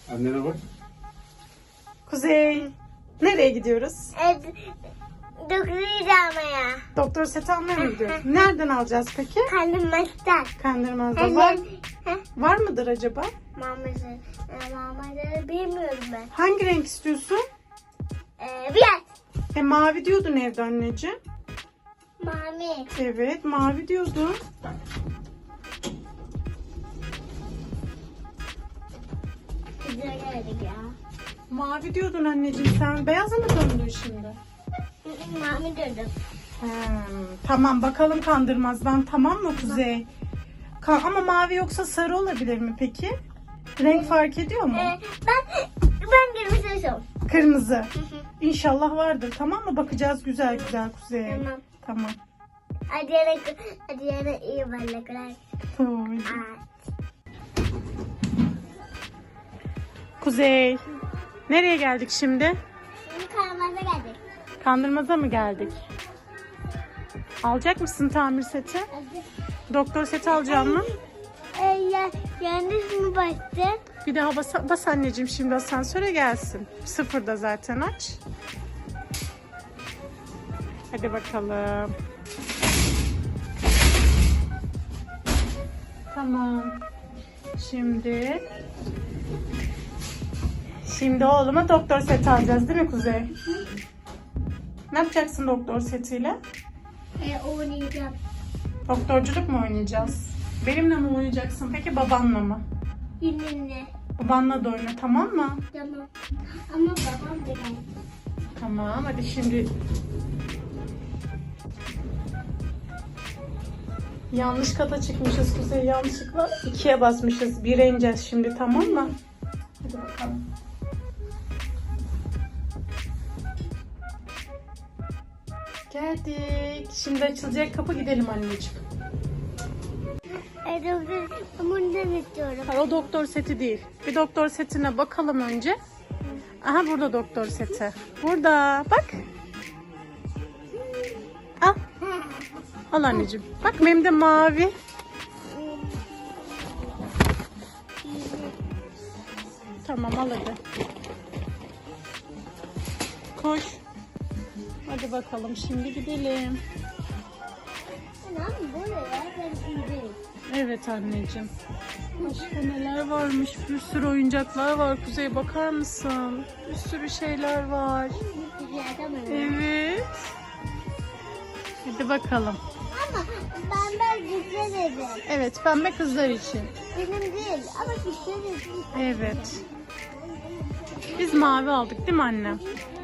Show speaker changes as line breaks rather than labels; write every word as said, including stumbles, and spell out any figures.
Annene bak.
Kuzey. Nereye gidiyoruz?
Evet. Doktoru almaya.
Doktor seti almaya mı gidiyoruz? Nereden alacağız peki?
Kandırmazdan.
Kandırmaz'da var.
Heh.
Var mıdır acaba?
Maması. E, maması bilmiyorum ben.
Hangi renk istiyorsun?
E, biraz.
E mavi diyordun evde anneciğim.
Mami.
Evet mavi diyordun.
Güzel geldik ya.
Mavi diyordun anneciğim sen. Beyaza mı döndün şimdi?
Hı hı, Mami dedim.
Hmm, tamam bakalım Kandırmaz'dan, tamam mı Kuzey? Ka- ama mavi yoksa sarı olabilir mi peki? Renk fark ediyor mu?
E, ben ben girmişim.
Kırmızı. İnşallah vardır, tamam mı? Bakacağız güzel güzel Kuzey.
Tamam.
Tamam.
Hadi yana, hadi yana iyi balıklar.
Oy.
Aa.
Kuzey. Nereye geldik şimdi?
Şimdi karmaza geldik.
Kandırmaz'a mı geldik? Alacak mısın tamir seti?
Hadi.
Doktor seti alacağım mı?
E, ya, yanlış mı bastı?
Bir daha bas, bas anneciğim, şimdi asansöre gelsin. Sıfırda zaten, aç. Hadi bakalım. Tamam. Şimdi Şimdi oğluma doktor seti alacağız değil mi Kuzey? Ne yapacaksın doktor setiyle?
E, oynayacağım.
Doktorculuk mu oynayacağız? Benimle mi oynayacaksın peki, babanla mı?
Yine
Babanla da oyna, tamam mı?
tamam. Ama babam da geldi.
Tamam, hadi şimdi. Yanlış kata çıkmışız Kuzey, yanlışlıkla ikiye basmışız. Bire ineceğiz şimdi, tamam mı? Hadi bakalım. Geldik. Şimdi açılacak kapı, gidelim anneciğim.
E, doktor, bundan istiyorum.
Hayır, o doktor seti değil. Bir doktor setine bakalım önce. Aha, burada doktor seti. Burada bak. Al. Al anneciğim. Bak benim de mavi. Tamam, al hadi. Koş. Hadi bakalım, şimdi gidelim.
Anam buraya ben indim.
Evet anneciğim. Başka neler varmış? Bir sürü oyuncaklar var Kuzey, bakar mısın? Bir sürü şeyler var. Evet. Hadi bakalım.
Ama ben ben güzel dedim.
Evet, pembe kızlar için.
Benim değil ama güzel dedim.
Evet. Biz mavi aldık değil mi anne?